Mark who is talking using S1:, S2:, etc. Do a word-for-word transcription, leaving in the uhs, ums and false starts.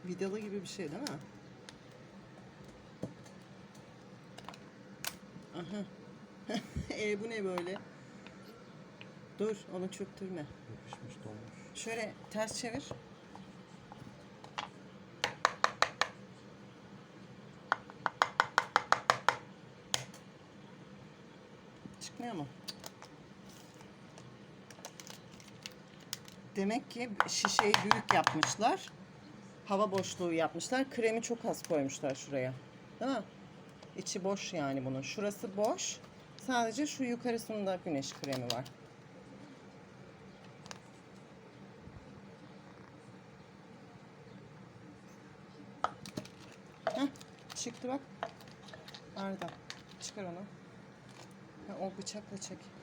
S1: Vidalı gibi bir şey değil mi? Aha. e bu ne böyle? Dur, onu çöktürme.
S2: Yapışmış, dolmuş.
S1: Şöyle ters çevir. Çıkmıyor mu? Demek ki şişeyi büyük yapmışlar. Hava boşluğu yapmışlar. Kremi çok az koymuşlar şuraya. Değil mi? İçi boş yani bunun. Şurası boş. Sadece şu yukarısında güneş kremi var. Heh, çıktı bak. Arda. Çıkar onu. Ha, o bıçakla çek.